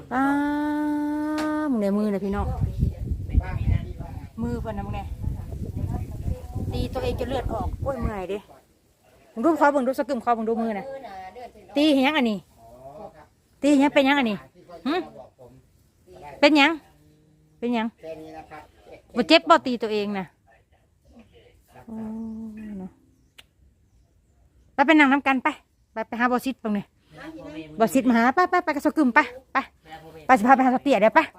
ป้ามึงเนี่ยมือเลยพี่น้องมือเพิ่นนะมึงเนี่ยตีตัวเองจนเลือดออกโอ้ยเมื่อยดิมึงดูคอมึงดูสกึมคอมึงดูมือน่ะตีเห็นยังอันนี้ตีเห็นยังเป็นยังอันนี้เป็นยังเป็นยังบ่เจ็บบ่ตีตัวเองน่ะไปนั่งน้ำกันไปหาบอสิทธิ์ตรงนี้บอสิทธิ์มาหาไปกระสกึมไปสิพาไปหาเตี่ยเดี๋ยวไป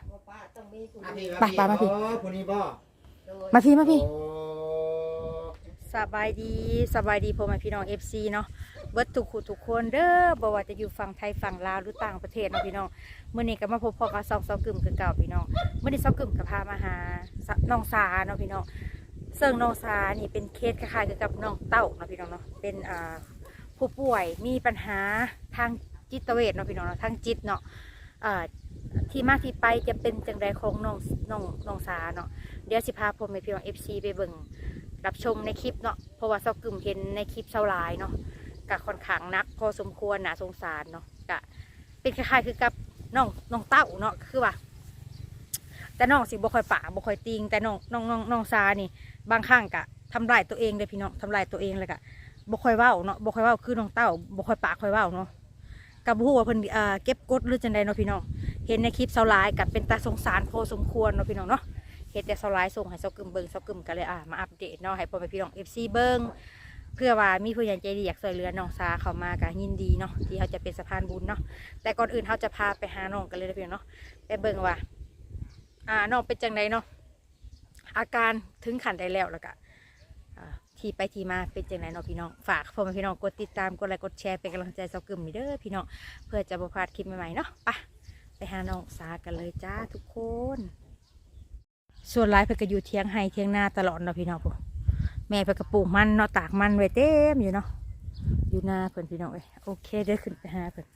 มาพี่มาพี่สบายดีพ่อแม่พี่น้อง FC เนาะเบิดทุกคนเด้อบ่ว่าจะอยู่ฝั่งไทยฝั่งลาวหรือต่างประเทศเนาะพี่น้องเมื่อนี้ก็มาพบพ่อกับซอกกึ่มคือเก่าพี่น้องเมื่อนี้ซอกกึ่มก็พามาหาน้องสาเนาะพี่น้องซึ่งน้องสานี่เป็นเคสคล้ายๆกับน้องเต้าเนาะพี่น้องเนาะเป็นผู้ป่วยมีปัญหาทางจิตเวชเนาะพี่น้องเนาะทางจิตเนาะที่มาที่ไปจะเป็นจังไรของน้องสาเนาะเดี๋ยวสิพาผมไปพี่น้อง FC ไปเบิ่งรับชมในคลิปเนาะเพราะว่าซอกกึ่มเห็นในคลิปเช้าหลายเนาะกะค่อนข้างนักพอสมควรน่าสงสารเนาะกะเป็นคล้ายๆคือกับน้องเต้าเนาะคือว่าแต่น้องสิบ่ค่อยปากบ่ค่อยติงแต่น้องสานี่บางครั้งกะทำลายตัวเองเลยพี่น้องทำลายตัวเองเลยกะบ่ค่อยเว้าเนาะบ่ค่อยเว้าคือน้องเต้าบ่ค่อยปากค่อยเว้าเนาะกับผู้ว่าเพิ่นเก็บกดหรือจังใดเนาะพี่น้องเห็นในคลิปเช้าหลายกับเป็นตาสงสารพอสมควรเนาะพี่น้องเนาะเห็นแต่เช้าหลายส่งให้ซอกกึ่มเบิ่งซอกกึ่มก็เลยมาอัปเดตเนาะให้พ่อแม่พี่น้อง FC เบิ่งเพื่อว่ามีผู้ใหญ่ใจดีอยากช่วยเหลือน้องสาเข้ามาก็ยินดีเนาะที่เขาจะเป็นสะพานบุญเนาะแต่ก่อนอื่นเขาจะพาไปหาน้องกันเลยนะพี่น้องเนาะไปเบิ่งว่าน้องเป็นจังไดเนาะอาการถึงขั้นใดแล้วก็ที่ไปที่มาเป็นจังไดเนาะพี่น้องฝากพ่อแม่พี่น้องกดติดตามกดไลค์กดแชร์เป็นกำลังใจซอกกึ่มเด้อพี่น้องเพื่อจะบ่พลาดคลิปใหม่ๆเนาะไปหาน้องสากันเลยจ้าทุกคนส่วนหลายเพื่อก็อยู่เที่ยงให้เที่ยงหน้าตลอดเนาะพี่น้องพวกแม่เพื่อก็ปลูกมันเนาะตากมันไว้เต็มอยู่เนาะอยู่หน้าเพื่อนพี่น้องโอเคเดี๋ยวขึ้นไปหาเพื่อน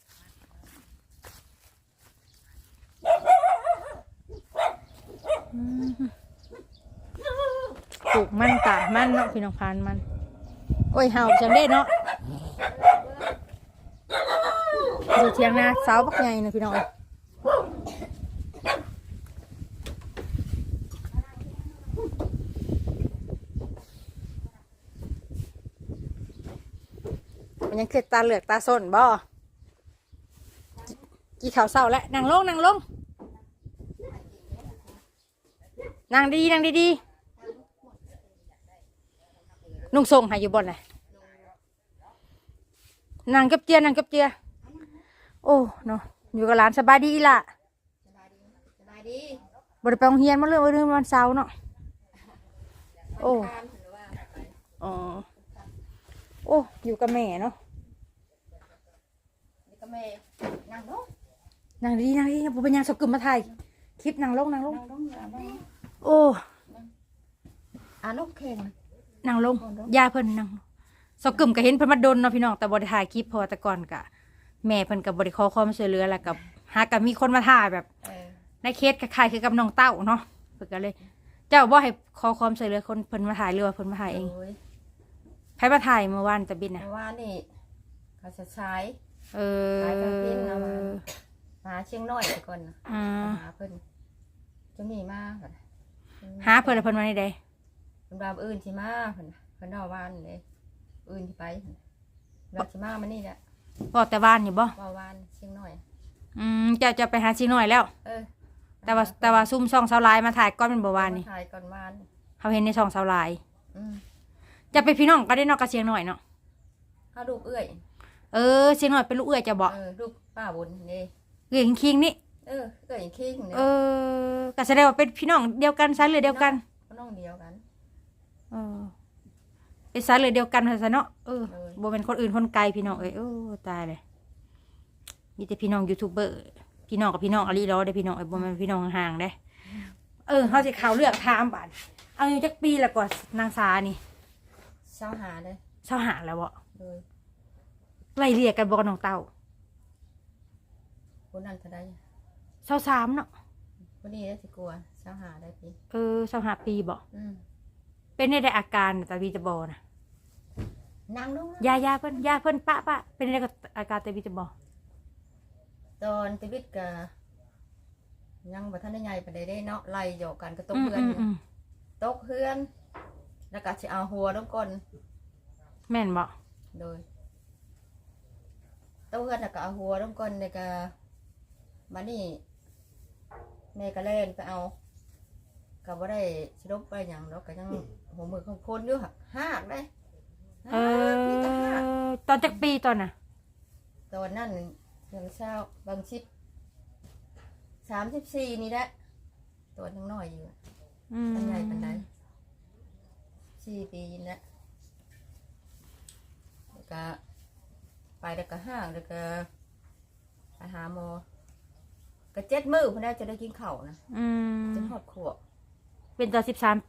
ปลูกมันตากมันเนาะพี่น้องพานมันโอ้ยเห่าจังได้เนาะอยู่เที่ยงหน้าเสาบักใหญ่เนาะพี่น้องมันยังเกิดตาเหลือกตาส้นบ่กี่ข่าวเศร้าแล้วนั่งลงนั่งดีนุ่งทรงหายอยู่บนไหนนั่งกับเจียโอ้เนาะอยู่กับหลานสบายดีล่ะสบายดีบริไปโรงเรียนมาเรื่องวันเสาร์เนาะโอ้อยู่กับแม่เนาะกับแม่นั่งลงนั่งดีผมเป็นยังสกุลมาถ่ายคลิปนั่งลงโอ้ลูกเข่งนั่งลงยาเพิ่นนั่งสกุลก็เห็นเพิ่นมาดนเนาะพี่น้องแต่บริถ่ายคลิปพอแต่ก่อนกะแม่เพิ่นกับบริขอความช่วยเหลือแล้วกับหากับมีคนมาถ่ายแบบในเคสคล้ายๆคือกับน้องเต้าเนาะเพิ่นก็เลยเจ้าบ่ให้ขอความช่วยเหลือคนเพิ่นมาถ่ายหรือว่าเพิ่นมาถ่ายเองใครมาถ่ายเมื่อวานตะบินนะเมื่อวานนี่เขาจะใช้ขายกระพินเอามาเชียงน้อยก่อนหาเพิ่นจะมีมากหาเพิ่นมาในใดเพิ่นดาวอื่นที่มาเพิ่นดาววานเลยอื่นที่ไปเราที่มามันนี่แหละบอกแต่วานอยู่บ่วานเชียงน้อยจะไปหาชิงหน่อยแล้วแต่ว่าซุ่มช่องเสาลายมาถ่ายก้อนเป็นบ่วานนี่ถ่ายก่อนวานเขาเห็นในช่องเสาลายจะไปพี่น้องก็ได้นอกกระเชียงหน่อยเนาะเขาลูกเอื้อยเชียงหน่อยเป็นลูกเอื้อยจะบอกลูกป้าบุญนี่เอื้อยคิงนี่เอื้อยคิงนี่ก็แสดงว่าเป็นพี่น้องเดียวกันสายเลือดเดียวกันพี่น้องเดียวกันเป็นสายเลือดเดียวกันซะเนาะบ่เป็นคนอื่นคนไกลพี่น้องตายเลยมีแต่พี่น้องยูทูบเบอร์พี่น้องกับพี่น้องอะไรล้อได้พี่น้องบ่เป็นพี่น้องห่างได้เขาจะข่าวเลือกทามบาทเอาอยู่จักปีละก่อนนางสานี่เช้าหาเลยเช้าหาแล้วบ่ไล่เรียกกันบอกน้องเต้าคนนั้นเท่าใด 23เนาะคนนี้ได้สิกลัวเช้าหาได้ปี 25ปีบ่เป็นได้อาการแต่วีจะบอนะนั่งลงยาเพิ่นปะเป็นได้อาการแต่วีจะบอตอนชีวิตก็ยังบ่ทันได้ใหญ่ปานใดได้เนาะไล่หยอกกันก็ตกเฮือน ตกเฮือนแล้วก็สิเอาหัวลงก่อนแม่นบ่โดยตกเฮือนแล้วก็เอาหัวลงก่อนแล้วก็มานี่แม่ก็เล่นไปเอาก็บ่ได้สิลบไปหยังดอกก็ยังหัวมือของคนอยู่หากได้ มีแต่หากตอนจักปีตอนน่ะตอนนั้นยังเช้าบางชิด34นี่แหละตัวยังน้อยอยู่อันใหญ่ปานใด4 ปีนี่แหละแล้วก็ไปแล้วก็ห้างแล้วก็ไปหาหมอก็7 มื้อเพิ่นได้จะได้กินข้าวนะจนฮอดขวบเป็นตอน13 ปี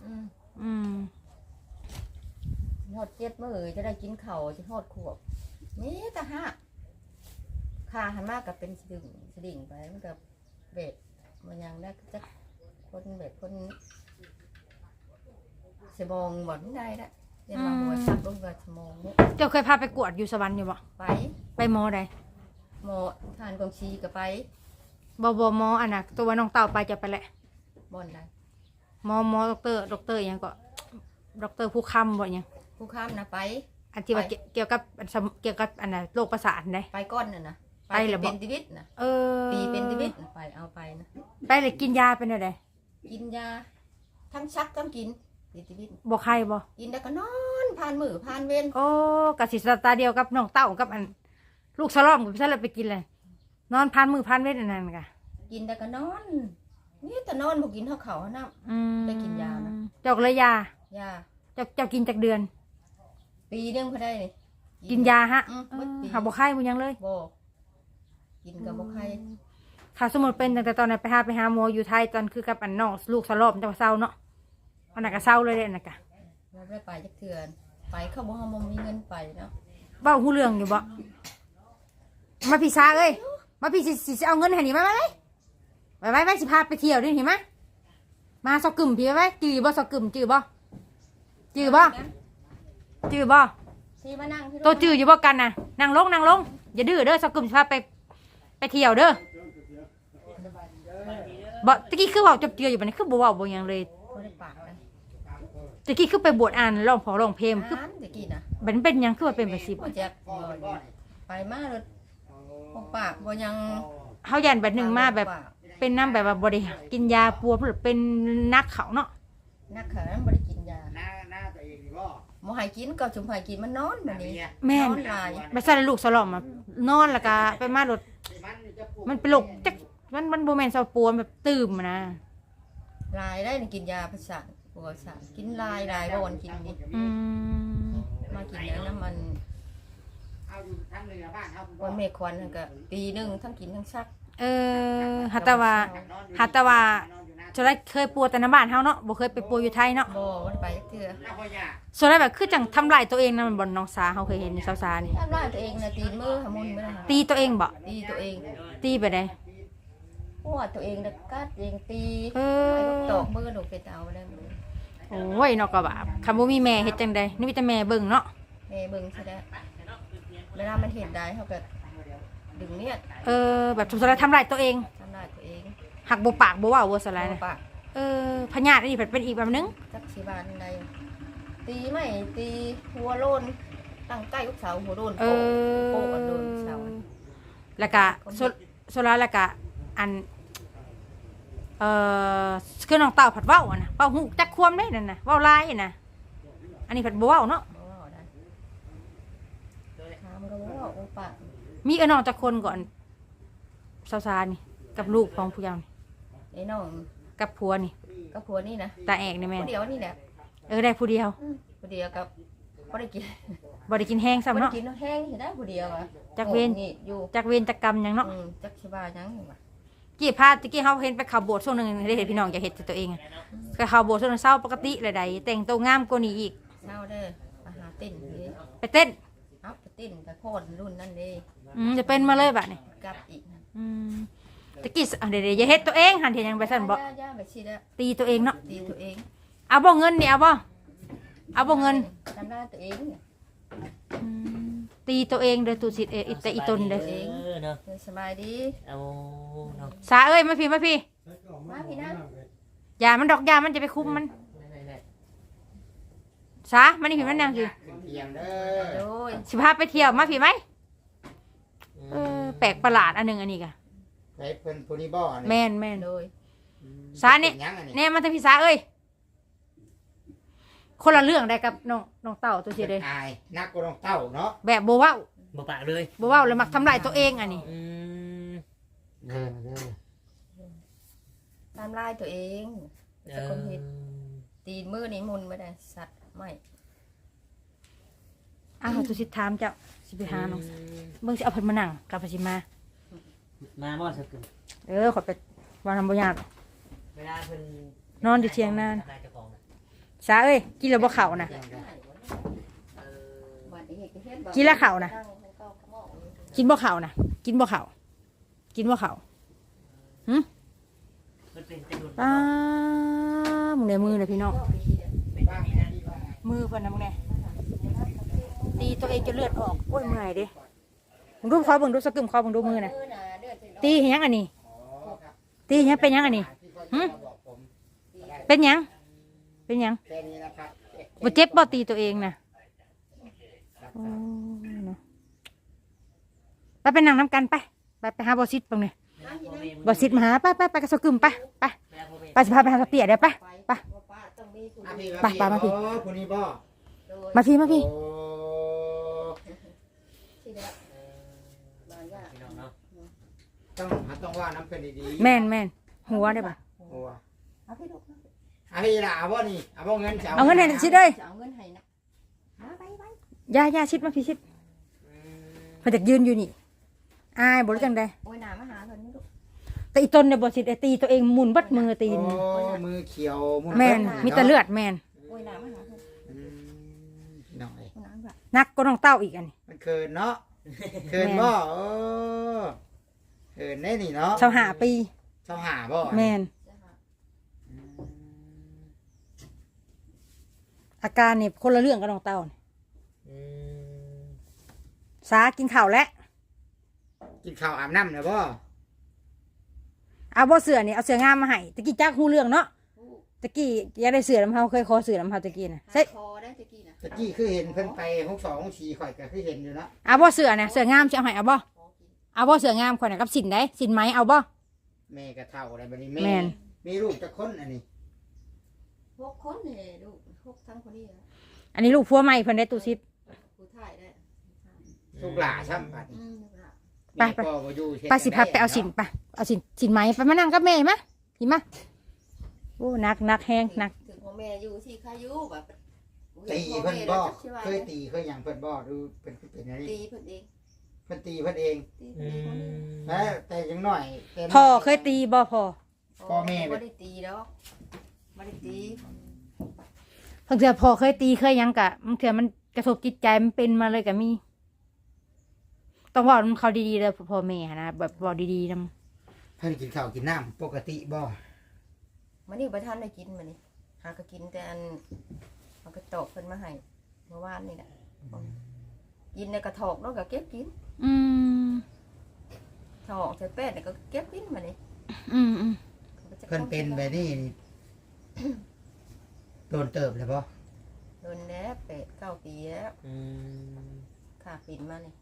ฮอด7 มื้อจะได้กินข้าวจนฮอดขวบนี่แต่ห้าค่าหันมากก็เป็นสดิ่งไปมันก็เบ็ดมันยังได้จักคนเบ็ดคนสมองบ่ได้ละเรียนมาหัวชักลงกับสมองเนี่ยเจ้าเคยพาไปกวดอยู่สวรรค์อยู่บ่ ไปหมอใดหมอทานกองชีก็ไปบ่หมออันน่ะตัวน้องเต่าไปจะไปแหละบ่อนใดหมอด็อกเตอร์อิหยังก็ด็อกเตอร์ผู้ค้ำบ่อิหยังผู้ข้ามนะไปอันที่ว่าเกี่ยวกับอันน่ะโรคประสาทได้ไปก้อนน่ะนะไปเหรอเป็นชีวิตนะ ปีเป็นชีวิตน่ะไปเอาไปนะไปเลยกินยาเป็นอะไรกินยาทั้งชักทั้งกินเป็นชีวิตบ่ไข้บ่กินแล้วก็นอนผ่านมือผ่านเว้นโอ้กะสิสตาเดียวกับน้องเต่ากับอันลูกสลอมกับพี่ซะเลยไปกินเลยนอนพันมือพันเวทอันนั้นกะกินแล้วก็นอนนี่แต่นอนบ่กินเท่าเขาน้ำได้กินยานะเจ้าก็เลยยายาเจ้ากินจากเดือนปีนึงพอได้นี่กินยาฮะหมดปีหาบ่ไข้บ่ยังเลยบ่กินกับบ่ไข้ถ้าสมมติเป็นตั้งแต่ตอนนั้นไปหาหมออยู่ไทยตอนคือกับอันน้องลูกสลอมจังว่าเศร้าเนาะอันนั้นก็เศร้าเลยเด้อันนั้นกะเราได้ไปจักเทื่อไปเขาบ่เฮาบ่มีเงินไปเนาะเว้าฮู้เรื่องอยู่บ่มาพี่ซาเอ้ยมาพี่สิเอาเงินให้นี่มาเลยไว้สิพาไปเที่ยวดิเห็นมั้ยมาซอกกึ่มพี่ไว้จื้อบ่ซอกกึ่มจื้อบ่ที่มานั่งที่ตัวจื้ออยู่บ่กันน่ะนั่งลงอย่าดื้อเด้อซอกกึ่มสิพาไปเที่ยวเด้อบ่ตะกี้คือเว้าจบเจืออยู่บัดนี้คือบ่เว้าบ่หยังเลยบ่ได้ปากเลยตะกี้คือไปบวชอ่านร้องเพลงคือตะกี้น่ะมันเป็นหยังคือว่าเป็นแบบสิบ่จักไปมาเลยบ่ปากบ่ยังเฮายันแบบหนึงมาแบบเป็นน้ำแบบว่าบ่ได้กินยาปัวหรือเป็นนักเขาเนาะนักขาบ่ได้กินยาหน้าตัวเองดีบ่บ่ให้กินก็จุ่มให้กินมันนอนแบบนี้แม่นนอนหลายไปใส่ลูกสลอมนอนแล้วก็ไปมารถมันเป็นโรคจักมันบ่แม่นเซาปัวแบบตื่มนะหลายได้นี่กินยาประสาทปวดประสาทกินหลายบ่วันกินนี่ มากินแล้วน้ำมันเอาอยู่ทั้งเรือบ้านเอาวันเมฆควันนั่นก็ปีหนึงทั้งกินทั้งซักหัตถว่าจะได้เคยปัวแต่ในบ้านเฮาเนาะบ่เคยไปปัวอยู่ไทยเนาะบ่วันไปจักเทื่อหน้าพ่อยาส่วนได้แบบคือจังทำลายตัวเองนะมันบ่น้องสาเฮาเคยเห็นสาวสานี่ทำร้ายตัวเองนะตีนมือหามุนไม่ได้หาตีตัวเองบ่ตีตัวเองตีไปได้หัวตัวเองนะกัดเองตีเออไอ้ลูกตอกมือหนูเป็ดเอาไปได้หมดโอ้ยเนาะก็บาปคำบ่มีแม่เฮ็ดจังได๋นี่มีแต่แม่เบิ่งเนาะแม่เบิ่งใช่ได้เวลามันเห็นได้เขาก็ดึงเนี่ยแบบสมมุติว่าทำลายตัวเองทำร้ายตัวเองหักบ่ปากบ่เว้าบ่สลายนะปากพญาติอันนี้เป็นอีกแบบนึงจักชีบานใดตีไม่ตีหัวโลนตั้งใกล้ลูกสาวหัวโลนโปกันโดนสาวแล้วก็โซลาแล้วก็อันคือน้องเต่าผัดเว้าอ่ะนะเว้าฮู้จักความได้นั่นน่ะเว้าลายอ่ะนะอันนี้ผัดบ่เว้าเนาะบ่ว่าได้ถามก็บ่ว่าโอปากมีน้องจักคนก่อนสาวๆนี่กับลูกของผู้เยาว์นี่ไอ้น้องกับผัวนี่กับผัวนี่นะตาแอกนี่แม่ผู้เดียวนี่แหละได้ผู้เดียวผู้เดียวกับบ่ได้กินบ่ได้กินแห้งซ้ำบ่ได้เนาะกินแห้งสิได้ผู้เดียวอ่ะจักเวรนี่อยู่จักเวรจักกรรมหยังเนาะจักสิบาหยังนี่ว่ะตะกี้เฮาเห็นไปเข้าโบสถ์ช่วงนึงได้เห็นพี่น้องอยากเฮ็ดตัวเองก็เข้าโบสถ์ช่วงนึงเช้าปกติเลยใดแต่งตัวงามกว่านี้อีกเช้าเด้อมาหาเต้นนี่ไปเต้นเอาไปเต้นกับโคตรรุ่นนั่นเด้จะเป็นมาเลยบัดนี้กลับอีกนะตะกี้เดี๋ยวอย่าเฮ็ดตัวเองหันเห็นยังไปสั่นบ่ย่าไปสิแล้วตีตัวเองเนาะตีตัวเองเอาบ่เงินนี่เอาบ่เงินทำได้ตัวเองเนี่ยตีตัวเองเด้อตุสิแต่อีตนเด้อเนาะเดี๋ยวสบายดีเอาเนาะสาเอ้ยมาพี่มาพี่นะอย่ามันดอกยามันจะไปคุมมันได้สามันนี่พี่มันนั่งสิขึ้นเตียงเด้โดอยสิพาไปเที่ยวมาพี่ไหมแปลกประหลาดอันหนึงอันนี้กะไปเพิ่นผู้นี้บ่นี่แม่นโดยสาเนี่ยป็หยังอันนี้แน่มาทางพี่สาเอ้ยคนละเรื่องได้กับน้องเต่าตัวสิเลยอายนักกว่าน้องเต้าเนาะแบบโบเว้าบ่ปากเลยโบเว้าเลยมักทำลายตัวเองอันนี้เด้อตามลายตัวเองเอจะอคนเห็นตีนมือนี่มุนไม่ได้สัตว์ไม่อ้าวตัวสิถามเจ้าสิไปหาน้องเบิ่งสิเอาเพิ่นมานั่งกับพสิมามาบ่สักกึ่งขอไปวางทำบ่ยากเวลาเพิ่นนอนอยู่เถียงนาทำลายเจ้าของน่ะสาเอ้ยกินแล้วบ่เข้านะเออกินแล้วเข้านะ กินบ่เข้านะกินบ่เข้ากินบ่เข้ามันเป็นแต่ดุนป้ามึงในมือเลยพี่น้องเป็นอย่างนี้นะมือเพิ่นนะมึงเนี่ยตีตัวเองจะเลือดออกโอ้ยเมื่อยเด้มึงดูคอมึงดูสะกึมคอมึงดูมือน่ะตีเห็นยังอันนี้ตีเห็นยังเป็นยังอันนี้หึเป็นยังเป็นยังแค่นี้นะครับบ่เจ็บบ่ตีตัวเองน่ะโอ้ยเนาะไปนั่งน้ำกันไปหาบอสิตตรงนี้บอสิตมาหาไปกับสะกึมไปสิพาไปหาสะเปียเดี๋ยวไปอ่ะพี่ไปมาพี่โอ้ผู้นี้บ่มาพี่โอ้พี่น้องเนาะต้องว่าน้ำเพิ่นดีๆแม่นหัวได้ปะโอ้อ่ะพี่ล่ะเอาบ่นี่เอาบ่เงินจะเอาเงินให้ชิดเลยจะเอาเงินให้นะไปย่าชิดมาพี่ชิดเพิ่นจะยืนอยู่นี่อายบ่รู้จังได๋โอ้ยหนามาหาเพิ่นนี่ลูกแต่อีตนเนี่ยบ่สิได้ตีตัวเองหมุนเบัดมือตีนโอ้มือเขียวมืแม่นมีแต่เลือดแม่นโอ้ยหนามาหาเพิ่นน้องเอ้ยหนาแบบนักก็น้องเต้าอีกอันนี้มันเคินเนาะเคินบ่โอ้เคินได้นี่เนาะ 25ปีเจ้าหาบ่แม่นอาการนี่คนละเรื่องกับน้องเต้านี่อืมสากินข้าวแล้วกินข้าวอาบน้ำเนาะบ่เอาบ่เสือนี่เอาเสืองามมาให้ตะกี้จักฮู้เรื่องเนาะตะกี้อยากได้เสือน้ำเฮาเคยขอเสือน้ำเฮาตะกี้น่ะใช่คอได้ตะกี้นะตะกี้คือเห็นเพิ่นไป6 2 6 4ข่อยก็คือเห็นอยู่เนาะเอาบ่เสือน่ะเสืองามสิเอาให้เอาบ่เอาบ่เสืองามข่อยน่ะกับสินได้สินไหมเอาบ่แม่ก็เฒ่าอะไรบัดนี้แม่แม่นมีลูกจักคนอันนี้ 6 คนนี่ลูก6ทั้งคนนี้นะอันนี้ลูกผัวใหม่เพิ่นได้ตู้ซิปผู้ถ่ายได้ลูกหลาช่ำบัดนี้ลูกหลานไปแม่ก็บ่อยู่เฮ็ดไปสิพาไปเอาสินไปเอาสินไหมไปมานั่งกับแม่มาสิมาโอ้นักแฮงนักถึงพ่อแม่อยู่ที่ใครอยู่แบบตีเพิ่นบ่เคยตีเคยหยังเพิ่นบ่ดูเพิ่นคือเป็นอันนี้ตีเพิ่นเองเพิ่นตีเพิ่นเองตีอืเพิ่นเองมแต่ยังน้อยแต่พ่อเคยตีบ่พ่อพ่อแม่ไม่ได้ตีแล้วไม่ได้ตีบางเทื่อพ่อเคยตีเคยหยังกะบางเทื่อมันกระทบจิตใจมันเป็นมาเลยก็มีต้องบอกเขาดีๆเลยพ่อแม่นะแบบบอกดีๆนำเพิ่นกินข้าวกินน้ำปกติบ่มันนี่ประทานได้กินมันนี่หาก็กินแต่อันเอากระตอกเพิ่นมาให้เมื่อวานนี่แหละกินในกระถอกเนาะก็เก็บกินอืมถอกใส่แป้งเนี่ยก็เก็บกินมันนี่อืมเพิ่นเป็นแบบนี้นี่โดนเติบเลยบ่โดนแล้ว8-9 ปีแล้วอืมขาปิดมานี่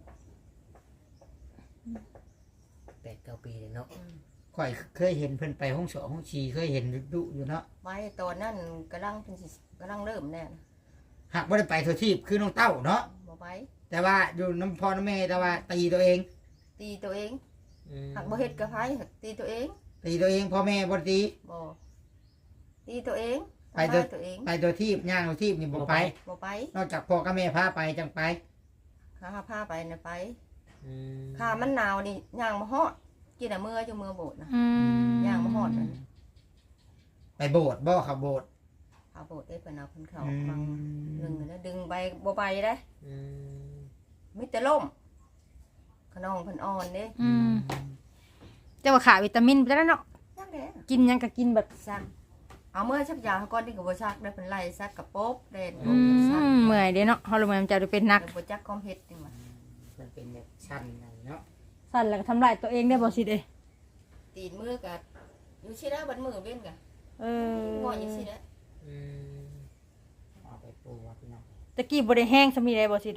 8-9 ปีเลยเนาะข่อยเคยเห็นเพิ่นไปห้อง2ห้อง4เคยเห็นดุอยู่เนาะไว้ตอนนั้นกำลังเป็นสิกำลังเริ่มแน่นะหากบ่ได้ไปทั่วทีปคือน้องเต้าเนาะบ่ไปแต่ว่าอยู่น้ำพ่อน้ำแม่แต่ว่าตีตัวเองตีตัวเองอืมหักบ่เฮ็ดกับไผหักตีตัวเองตีตัวเองพ่อแม่บ่ได้ตีบ่ตีตัวเองไปตัวทำร้ายตัวเองไปตัวทีปย่างตัวทีปนี่บ่ไปบ่ไปนอกจากพ่อกับแม่พาไปจังไปข้าพาไปนะไปอืมข้ามันหนาวนี่ย่างมาฮอดกินแต่เมื่ออยู่เมื่อโบสถ์นะอืมย่างมาฮอดนั่นไปโบสถ์บ่เขาโบสถ์เอาโบสถ์ได้เพิ่นเอาเพิ่นเข้าอืฟังมนึงแล้วดึงไปบ่ไปเด้อืมมีแต่ล่มขนองเพิ่นอ่อนเด้อืมแต่ว่าขาวิตามินไปแล้วเนาะจังได๋กินหยังก็กินแบบสั่งเอาเมื่อชักยาก่อนที่กับบ่ชักได้เป็นไรซักกับโป๊บเด่นเมื่อยเด้เนาะฮอร์โมนมันจะเป็นหนักบ่จักความเฮ็ดนี่ว่ามันเป็นแบบชั้นนั่นเนาะสั่นแล้วก็ทำลายตัวเองได้บ่สิเด้ตีนมือก็อยู่สิแล้วบัดมือเว้นก็เออบ่อยู่สิแล้วอืมเอาไปปูว่าพี่น้องตะกี้บ่ได้แห้งซะมีได้บ่สิเด้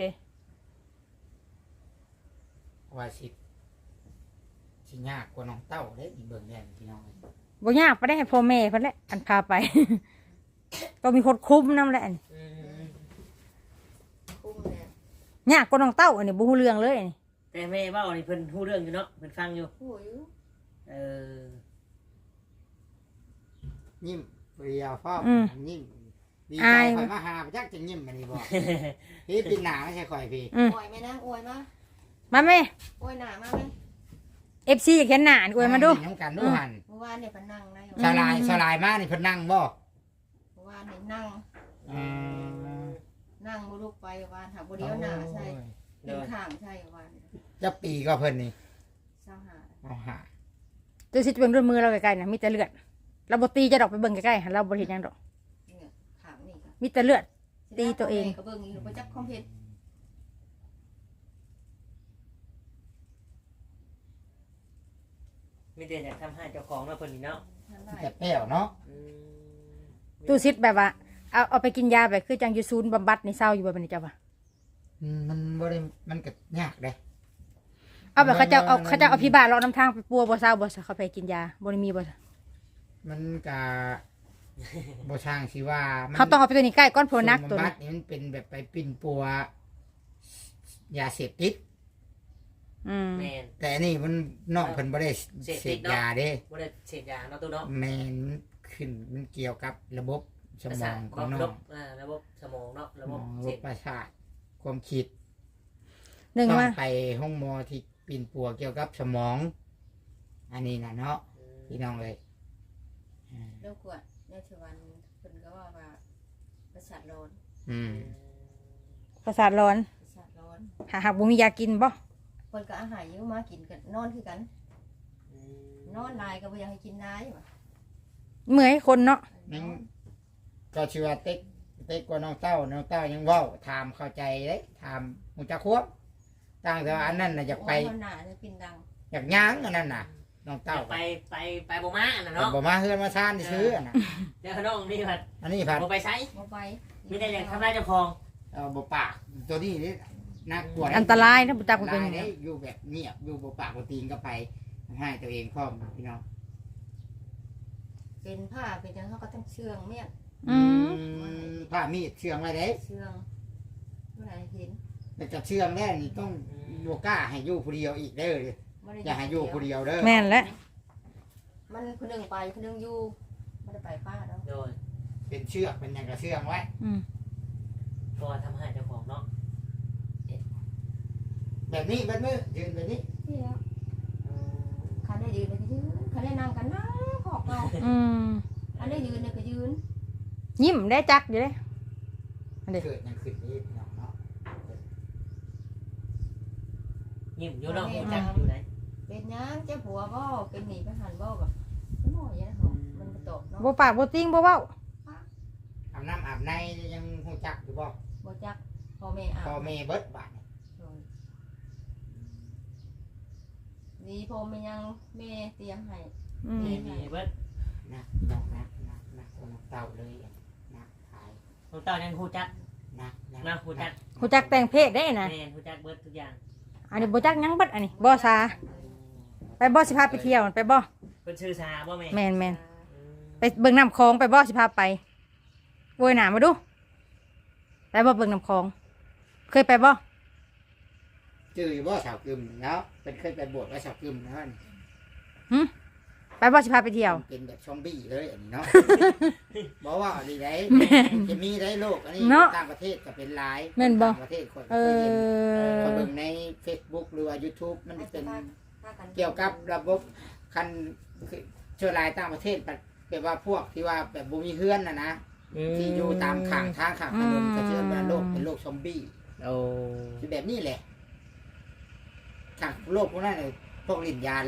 ว่าสิยากกว่าน้องเต้าเด้อีเบิ่งแน่พี่น้องบ่ยากไปได้ให้พ่อแม่เพิ่นแหละอันพาไป ต้องมีคนคุมนำแหละอันนี้อืมคุ้มแล้วยากกว่าน้องเต้าอันนี้บ่ฮู้เรื่องเลยอันนี้แต่แม่เว้านี่เพิ่นฮู้เรื่องอยู่เนาะเพิ่นฟังอยู่โอ้ยเออยิ้มเรียวฟ้อยิ้มดีใจข่อยมาหาจักจะยิ้มมันนี่บ่พี่ปีหน้าไม่ใช่ข่อยพี่อวยไหมนะอวยมามาแม่อวยหน้ามาไหม FC อยากเห็นหน้าอันอวยมาดูน้ำกันดูหันเมื่อวานเนี่ยเพิ่นนั่งได้สลายมานี่เพิ่นนั่งบ่เมื่อวานเนี่ยนั่งอ่านั่งบ่ลุกไปวานหาบ่เดียวหน้าใช่เป็นข้างใช่วานจะปีก็เพิ่นนี่ 25 เอาหาตัวสิจะเป็นด้วยมือเราใกล้ๆนะมีแต่เลือดเราบ่ตีจะดอกไปเบิ่งใกล้ๆเราบ่เห็นหยังดอกเนี่ยข้างนี่ก็มีแต่เลือด ตีตัวเองก็เบิ่งอยู่บ่จักความเฮ็ดมีแต่อยากทำให้เจ้าของเนาะเพิ่นนี่เนาะนั่นได้แต่แป้วเนาะอืมตู้ซิดแบบว่าเอาไปกินยาแบบคือจังอยู่ศูนย์บำบัดในเศร้าอยู่บ่บัดนี้จ้ะว่ามันบ่ได้มันก็ยากเด้เอาแบบเขาเจ้าเอาพี่บ้านเลาะน้ำทางไปปัวบ่เศร้าบ่ซะเขาไปกินยาบ่ได้มีบ่ซะมันก็บ่ช่างสิว่ามันเขาต้องเอาไปตัวนี้ใกล้ก้อนโพนักตัวสมบันี้ตินี่มันเป็นแบบไปปิ่นปัวยาเสพติดแม่นแต่อันนี่มันน้องเพิ่นบ่ได้เสพเสติพดเนาะยาเด้บ่ได้เสพยาเนาะตู้เนาะแม่นขึ้นมันเกี่ยวกับระบบสมองของน้ระอบบงระบบสมองเนาะระบบระเสบบพประสาทความคิดหนึ่งต้องว่าไปห้องหมอที่ปิ่นปัวเกี่ยวกับสมอง อันนี้น่ะเนาะพี่น้องเลยอ่าเลิกกวดในชวันเพิ่นก็ว่าประสาทร้อนอืมประสาทร้อนประสาทร้อนหากบ่มียากินบ่เพิ่นก็อาหารอยู่มากินกันนอนคือกัน นอนนายก็บ่อยากให้กินนายว่ะเมื่อยคนเนาะนั่งก็ชื่อว่าเต็กกว่าน้องเต้ายังเว้าถามเข้าใจเด้ถามมูจักควบต่างแต่ว่าอันนั้นน่ะอยากไปโอ้ยหน้าจะกินดังอยากย่างอันนั้นน่ะน้องเต้าไปบ่มาอันน่ะเนาะบ่มาเฮือนมาซ่านซื้ออันน่ะเดี๋ยวน้องนี่ผัดอันนี้ผัดบ่ไปใช้บ่ไปมีแต่อยากทำลายเจ้าของเอาบ่ปากตัวนี้นี่น่ากลัวอันตรายนะบ่ตักบ่เป็นลาหยยังได้อยู่แบบเงียบอยู่บ่ปากบ่ตีนก็ไปให้ตัวเองพร้อมพี่น้องเป็นผ้าเป็นหยังเขาก็ต้องเชื่องเมียนอืมผ้ามีดเชื่องไว้เด้เชื่องเมื่อไหร่เห็นแต่จะเชื่องแล้วนี่ต้องบ่กล้าให้อยู่ผู้เดียวอีกเด้อบ่ได้อย่าให้อยู่ผู้เดียวเด้อแม่นแล้วมันคนหนึงไปคนหนึงอยู่บ่ได้ไปป้าดอกโดยเป็นเชือกเป็นหยังก็เชื่องไว้อืมก็ทำให้เจ้าของเนาะแบบนี้แบบนี้ยืนแบบนี้ที่แล้วคันได้ยืนเลยก็ยืนคันได้นั่งกันนั่งขอกเอาอืมคันได้ยืนเนี่ยก็ยืนยิ้มได้จักอยู่เด้อันนี้เกิดหยังขึ้นนี่พี่น้องเนาะยิ้มอยู่เนาะหูจักอยู่ไหนเป็นหยังเจ้าผัวบ่เป็นหนีไปหันบ่กับหม้ออย่างนั้นเหรอมันก็ตกเนาะบ่ปากบ่ติ้งบ่เว้าอาบน้ำอาบในยังฮู้จักอยู่บ่บ่จักพ่อแม่อาพ่อบ แม่เบิดบาดนี่ดีพ่อแม่ยังแม่เตรียมให้อืมมีเบิดนะน้องนะคนเต่าเลยนะขายน้องเต้ายังหูจักนะนะหูจักฮู้จักแต่งเพศได้นะแม่นหูจักเบิดทุกอย่างอันนี้บ่จักหยังเบิดอันนี้บ่ซาไปบ่สิพาไปเที่ยวไปบ่เพิ่นชื่อชาบ่แม่แม่นอืมไปเบิ่งน้ำคลองไปบ่สิพาไปโวยหนามาดูไปบ่เบิ่งน้ำคลอง เคยไปบ่จื้ออยู่บ่สาวกึมเนาะเป็นเคยไปบวชว่าสาวกึมเนาะไปบ่สิพาไปเที่ยวเป็นแบบซอมบี้เลยอันนี้เนาะ บอกว่าอันนี้ได้จะมีได้โลกอันนี้เนาะต่างประเทศก็เป็นหลายแม่นบ่ต่างประเทศคนเอก็เห็นอเขาเบิ่งใน Facebook หรือว่า YouTube มันเป็นพากันเกี่ยวกับระบบคันคือเชื้อรายต่างประเทศแบบว่าพวกที่ว่าแบบบ่มีเฮือนน่ะนะที่อยู่ตามข้างทางข้างถนนก็เชื่อว่าโลกเป็นโลกซอมบี้โอ้คือแบบนี้แหละทางโลกพวกนั้นน่ะพวกลิ้นยาหลาย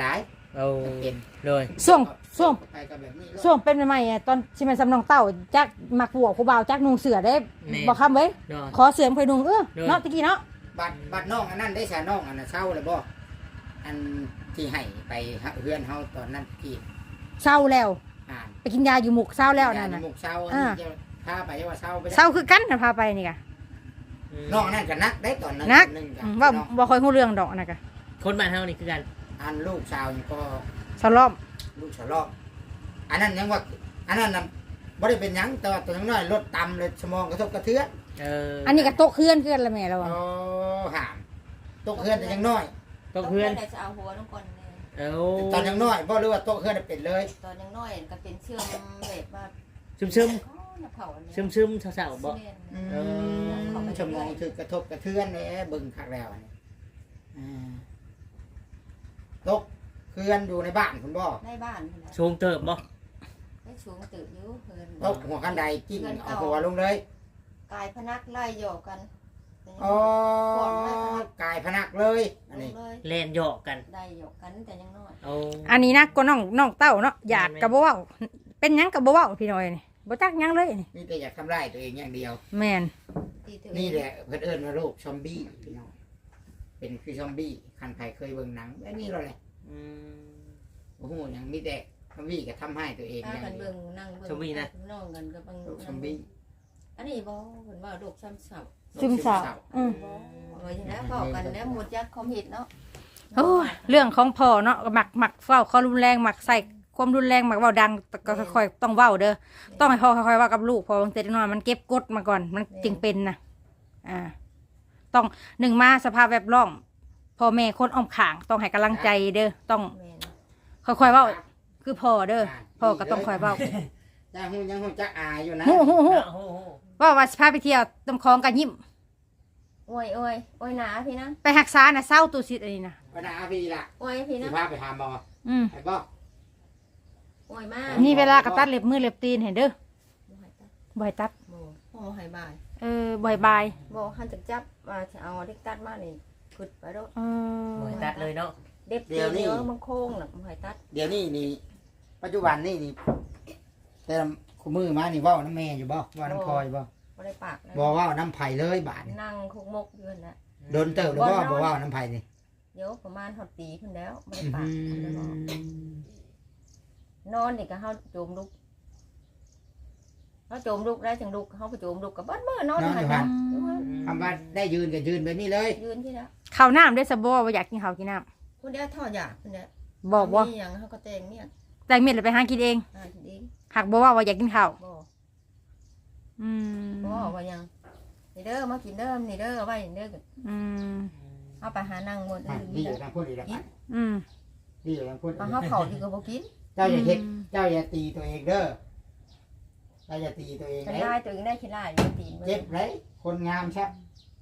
เอาเป็นเลยช่วงไปกับแบบนี้ช่วงเป็นใหม่ๆอะตอนที่มันสำนองเต้าจักมักบวกผู้บ่าวจักนุงเสือได้บ่คำเว้ยเนาะขอเสือไปนุงเนาะตะกี้เนาะบัดน้องอันนั้นได้ชาน้องอันน่ะเช่าเลยบ่อันที่ให้ไปเฮือนเฮาตอนนั้นที่เศร้าแล้วอ่านไปกินยาอยู่หมุกเศร้าแล้วนั่นยาน่ะหมกเช่าอันนี้จะพาไปว่าเช่าไปเศร้าคือกันน่ะพาไปนี่กะน้องอันนั้นก็นักได้ตอนนั้นนักนึงกัว่าน้องบ่ค่อยฮู้เรื่องดอกนะกะคนบ้านเฮานี่คือกันอันลูกชาวนี่ก็สล้อมลูกชาวลอกอันนั้นยังว่าอันนั้นน่ะบ่ได้เป็นหยังแต่ว่าตัวน้อยรถต่ำเลยสมองกระทบกระเทือนอันนี้ก็โต๊ะเคลื่อนละแม่แล้วโอ้อะห่ามตกเฮือนแต่ยังน้อยตกเพื่อนจะเอาหัวน้องก่อนเลยเอาตอนยังน้อยบ่รู้ว่าตกเฮือนน่ะเป็นเลยตอนยังน้อยก็เป็นเชื่อมแบบว่าซึมอ๋อน้ำเผาอันนี้ซึมเศร้าๆบ่อืมสมองถึกกระทบกระเทือนแหน่เบิ่งคักแล้วอันนี้อ่าตกเฮือนอยู่ในบ้านคุณบ่ในบ้านนี่นะชงเติบบ่ได้สูงตื่นอยู่เพิ่นตกหัวกันไดกิ้งเอาหัวลงเลยกายพนักไล่หยอกกันอ๋อกายพนักเลยอันลนี้งเลยแล่นหยอกกันได้หยอกกันแต่ยังน้อยเอาอันนี้นะก็น้องเต้าเนาะอยากก็บ่เว้าเป็นหยังก็บ่เว้าพี่น้อยนี่บ่จักหยังเลยนี่นี่แต่อยากทำร้ายตัวเองอย่างเดียวแม่นที่ถือนี่แหละเพื่อนเอิญว่าโรคซอมบี้พี่น้องเป็นคือซอมบี้คันใครเคยเบิ่งหนังแบบนี้เราเลยอืมโอ้โหยังมีแต่ซอมบี้ก็ทำให้ตัวเองอถ้าย่างกันเดียเบิ่วงนั่งเบิ่งชมวี่นะน้องกันก็บังโรคซอมบี้อันนี้บ่เพิ่นว่าโรคซ้ำเสาซึมเศร้าอืมบ่เออแล้วเฝ้ากันแล้วหมดยักษ์คอมเห็ดเนาะโอ้ยเรื่องของพ่อเนาะมักเว้าความรุนแรงมักใส่ความรุนแรงมักเว้าดังแต่ก็ค่อยๆต้องเว้าเด้อต้องให้พ่อค่อยๆเว้ากับลูกพอบางทีน้อยมันเก็บกดมาก่อนมันจึงเป็นนะต้องหนึ่งมาสภาพแวดล้อมพ่อแม่คนอ้อมข้างต้องให้กำลังใจเด้อต้องแม่นค่อยๆเว้าคือพ่อเด้อพ่อก็ต้องค่อยเว้ายังหูจักอายอยู่นะฮู้โอ้โหว่าสิพาไปเที่ยวตำคลองกันยิ้มโอ้ยหนาพี่นะไปรักษาน่ะเศร้าตูสิอันนี้นะวันนาพี่ล่ะโอ้ยพี่สินะพาไปหาหมออืมไอ้บ่โอ้ยมากนี่เวลากระตัดเล็บมือเล็บตีนเห็นเด้อบ่ให้ตัดโอ้หายบายบ่ให้บายบ่หันจักจับมาจะเอาเด็กตัดมานี่ขึ้นไปโดเออโอ้ยตัดเลยเนาะเด็บเดียวมันโค้งน่ะบ่ให้ตัดเดี๋ยวนี้นี่ปัจจุบันนี่แต่คู่มือมานี่เว้าน้ำแม่อยู่บ่เว้าน้ำพลอยบ่บ่ได้ปากนะบ่เว้าน้ำไผ่เลยบาดนี่นั่งคุกมกอยู่นั่นน่ะโดนเติบหรือบ่บ่เว้าน้ำไผ่นี่เดี๋ยวประมาณฮอดปีขึ้นแล้วบ่ได้ปากบ่ได้บอกนอนนี่ก็เฮาโจมลุกเฮาโจมลุกได้จังลุกเฮาก็โจมลุกก็เบิดมื้อนอนหั่นนะอยู่หั่นคำว่าได้ยืนก็ยืนแบบนี้เลยยืนที่แล้วข้าวน้ำได้สะบ่ว่าอยากกินข้าวกินน้คนเดียวทอดอยากคนเดียวำบอกว่ามีหยังเฮาก็แต่งเนี่ยแต่เม็ดเลยไปหากินเองทีนี้หักบ่ว่าอยากกินข้าวบ่อืมบ่ว่าหยังนี่เด้อมากินเด้อนี่เด้อไว้นี่เด้ออืมเอาไปหานั่งหมดดีอยู่ทางพูดอีกแล้วอืมดีอยู่ทางพูดมาเฮาเข้าดีก็บ่กินเจ้าอย่าเฮ็ดเจ้าอย่าตีตัวเองเด้อเจ้าอย่าตีตัวเองกันเลยได้ตัวเองได้ขี้ลายอยู่ตีนเจ็บเลยคนงามชับ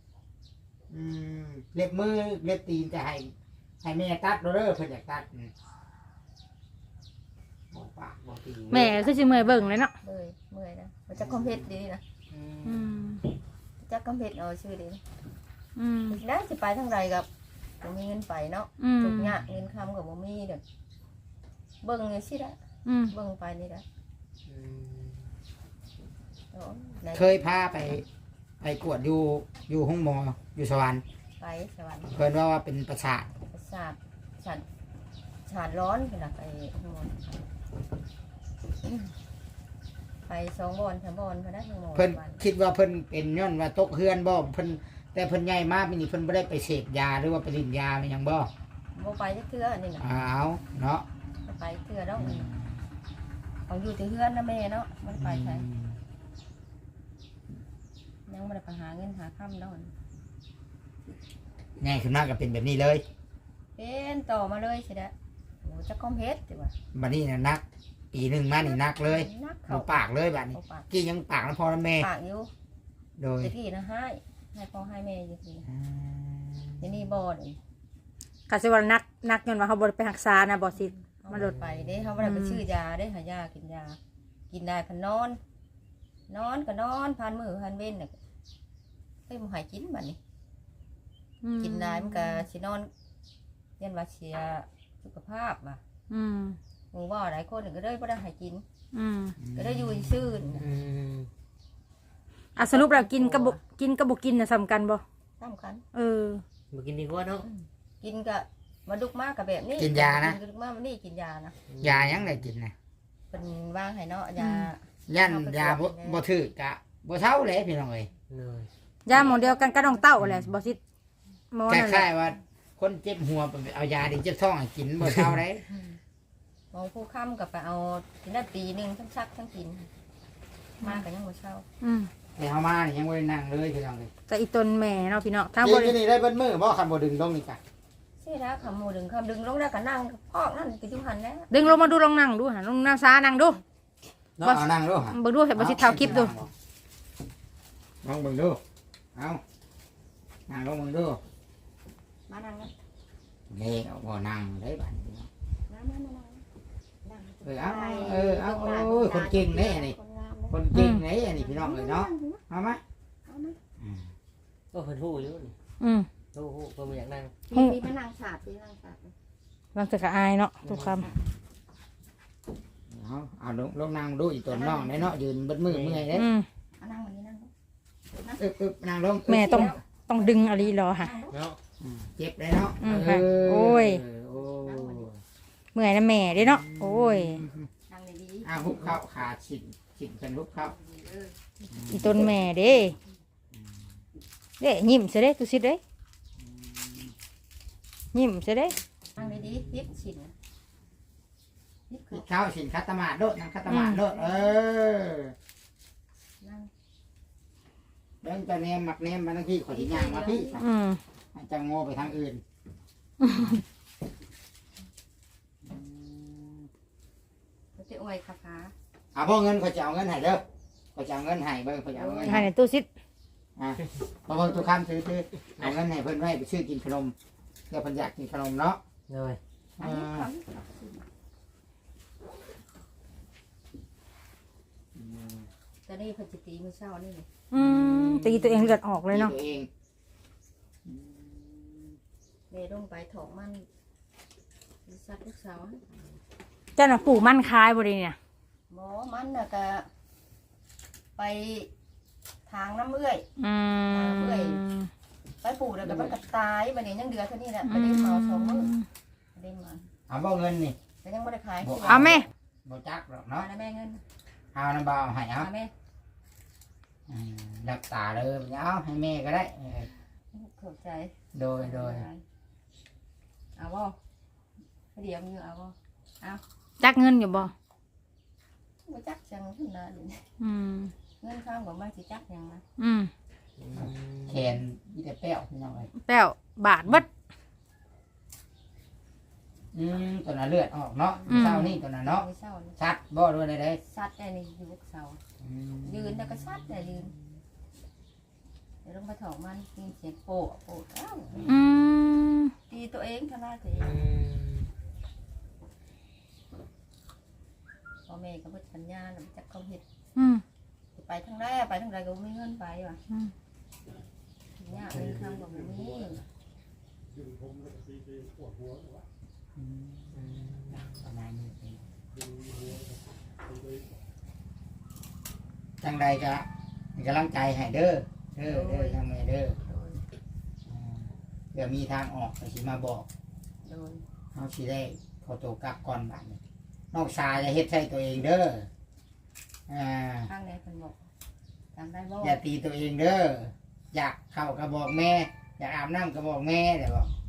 เล็บมือเล็บตีนจะให้แม่ตัดเด้อเพิ่นอยากตัดบอกปากบอกตีแม่คือสิเมื่อยเบิ่งเลยเนาะเมื่อยนะมันจะคอมเพลตดีนะอืมจะคอมเพลตเอาชื่อดีอืมได้สิไปทางใดกับบ่มีเงินไปเนาะอืมทุกอย่างเงินคำกับบ่มีเด้อเบิ่งนี่สิละอืมเบิ่งไปนี่ละเคยพาไปกวดอยู่ห้องหมออยู่สวรรค์ไปสวรรค์เพิ่นว่าเป็นประสาทประสาทชาดร้อนขนาดไปทั้งหมดไป2 บอน 3 บอนพอได้ทั้งหมดเพิ่นคิดว่าเพิ่นเป็นย้อนว่าตกเฮือนบ่เพิ่นแต่เพิ่นใหญ่มากปีนี้เพิ่นบ่ได้ไปเสพยาหรือว่าไปรินยาเป็นหยังบ่บ่ไปจักเทื่อนี่น่ะอ้าวเนาะบ่ไปเทื่อดอกเขาอยู่ที่เฮือนนะแม่เนาะบ่ได้ไปไสยังบ่ได้ไปหาเงินหาค่ำดอกใหญ่ขึ้นมาก็เป็นแบบนี้เลยเป็นต่อมาเลยสิเด้อโอ้จะคอมเพชรติว่าบัดนี้น่ะนักปีหนึงมานี่นักเลยนักเอาเขาปากเลยบัดนี้เอาปากกี้ยังปากแล้วพอแล้วแม่ปากอยู่โดยตะกี้นะให้พ่อให้แม่อยู่ทีทีนี่บ่นี่กสิว่านักย้อนว่าเขาบ่ได้ไปรักษานะบ่สิมันหลุดไปเด้เขาบ่ได้ไปชื่อยาเด้หายากินยา กินได้พันนอน นอนก็นอนพันมือพันเว้นน่ะเฮ้ยบ่ให้กินบัดนี้ กินได้มันก็สินอนยันว่าเสียสุขภาพว่ะอืมหมู่ว่าหลายคนก็ได้บ่ได้ให้กินอืมก็ได้อยู่ซื่ออืมอ่ะสรุปแล้วกินกับบ่กินน่ะสำคัญบ่สำคัญเออบ่กินดีกว่าเนาะกินก็มาดุกมากกับแบบนี้กินยานะดุกมากวันนี้กินยานะยายังได้กินนะเป็นว่างให้เนาะยายันยาบ่ถือกะบ่เท่าเลยพี่น้องเอ้ยเลยยาหมอเดียวกันกับน้องเต้าแหละบ่สิหมอคนั่นแหล้าละยๆว่าคนเจ็บหัวไปเอายาดิเจ็บท้องให้กินบ่เท่าเลยหมอผู้ค้ำกับไปเอากินได้ปีหนึงทั้งซักทั้งกินมากกันยังบ่เช่าอืมแต่เฮามานี่ยังบ่ได้นั่งเลยพี่น้องเอ้ยแต่อีตนแม่เนาะพี่น้องทางกิบ่นได้นี่ได้เบิดมื้อบ่คันบ่ดึงลงนี่กะใช่แล้วคำหมูดึงคำดึงลงแล้วก็นั่งพอกนั่นก็จุหันแล้วดึงลงมาดูลองนั่งดูหาลงนั่งซานั่งดูเนาะเอานั่งดูฮะเบิ่งดูให้บ่สิเท่าคลิปดูลองเบิ่งดูเอานั่งลงเบิ่งดูมานั่งนะนี่เอาบ่นั่งได้บัดนี้เนาะนั่งนั่งเอาโอ้ยคนเก่งแน่นี่คนเก่งแน่นี่พี่น้องเอ้ยเนาะเอามาอืมก็เพิ่นฮู้อยู่นี่อืมฮู้เพิ่นบ่อยากนั่งพี่มานั่งฉาบพี่นั่งฉาบบางแต่ก็อายเนาะทุกคำเอาลงนั่งดูอีตัวน้องเนาะยืนเบิดมือเมื่อยเด้อืมนั่งวันนี้นั่งนั่งลงแม่ต้องดึงอะไรรอค่ะเนาะเจ็บเลยเนาะอืมค่ะโอ้ยโอ้เมื่อยนะแม่เด้เนาะโอ้ยนั่งดีหุบเข้าขาฉินเป็นหุบเข้าอีตนแม่เด้เด้ยิ้มซะเด้ตุสิเด้ยิ้มซะเด้นั่งดียิบฉินยิบปิดเข้าฉินคัตตมาโดดนั่งคัตตมาโดดนั่งเดินจะเนมมักเนมมาทั้งพี่ขอที่ย่างมาพี่อืมจะโง่ไปทางอื่นเขาจะอวยขาขาพ่อเงินเขาจะเอาเงินให้เด้อเขาจะเอาเงินให้เบิ่งเขาจะเอาเงินให้ในตู้ซิดพอเบิ่งทุกคำซื้อเอาเงินให้เพิ่นไว้ไปซื้อกินขนมเดี๋ยวเพิ่นอยากกินขนมเนาะเลยอันนี้เขา ตอนนี้เพนจิตีมือเช้านี่อืมตีตัวเองเลือดออกเลยเนาะตัวเองเมย์ลงไปถอกมันซัดลูกสาวเจ้าน่ะปลูกมันคายบ่ได้เนี่ยหมอมันน่ะก็ไปทางน้ำเอื้อยอืมไปปลูกแล้วก็มันก็ตายมันเนี่ยยังเดือเท่านี้แหละไม่ได้เมาสองมื้อไม่ได้มาเอาบ่เงินนี่แต่ยังไม่ได้ขายเอาแม่บ่จักหรอกมาเนาะแล้วแม่เงินเอาน้ำเบาให้เอามาแม่รักษาเลยเอาให้แม่ก็ได้ขอบใจโดยเอาบ่เดี๋ยวมึงเอาบ่จักเงินอยู่บ่บ่จักจังขึ้นนะเดี๋ยวนี้อืมเงินข้างบ่มาสิจักยังนะอืมแขนมีแต่แป้วพี่น้องเอ้ยแป้วบาทเบิดตัวน่ะเลือดออกเนาะเช้านี่ตัวน่ะเนาะไม่เศร้าเลยชัดบ่ด้วยได้ซัดได้นี่อยู่ลูกสาวยืนแล้วก็ซัดได้ยืนเดี๋ยวลงมาถอกมันกินเสียงโปะโปะอ้าวอืมตีตัวเองทำลายตัวเอง พ่อแม่ก็บ่สัญญาแล้วจักเขาเฮ็ดอืมไปทางใดไปทางใดก็บ่มีเงินไปว่ะยากเลยทางก็บ่มีประมาณนี้จังใดก็มีกำลังใจให้เด้อจังแม่เด้อโดยเดี๋ยวมีทางออกก็สิมาบอกโดยเฮาสิได้ขอตัวกลับก่อนบัดนี้นอกชายจะเฮ็ดใส่ตัวเองเด้อทางไหนเพิ่นบอกจำได้บ่อย่าตีตัวเองเด้ออยากเข้าก็บอกแม่ อยากอาบน้ำก็บอกแม่เดี๋ยวบอก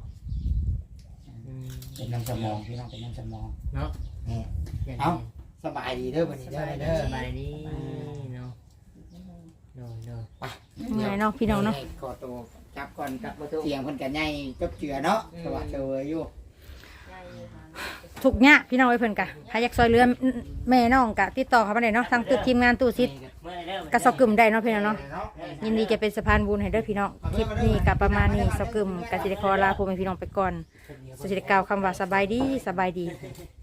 เป็นน้ำสมองพี่น้องเป็นน้ำสมองเนาะนี่เอ้าสบายดีเด้อวันนี้เด้อเด้อสบายดีเนาะโดยเหนื่อยเนาะพี่น้องเนาะขอตัวจับก่อนกับเสียงคนกันใหญ่จบเจือเนาะสวัสดีอยู่ใหญ่หาทุกเนี้ยพี่น้องไว้เพิ่นกะใครอยากซอยเรือแม่น้องกะติดต่อเข้ามาได้เนาะทางตึกทีมงานตู้ซิดกะสกึมได้เนาะพี่น้องเนาะยินดีจะเป็นสะพานบุญให้เด้อพี่น้องคลิปนี้กะประมาณนี้สกึมกะสิได้ขอลาพ่อแม่พี่น้องไปก่อนสิได้กล่าวคำว่าสบายดี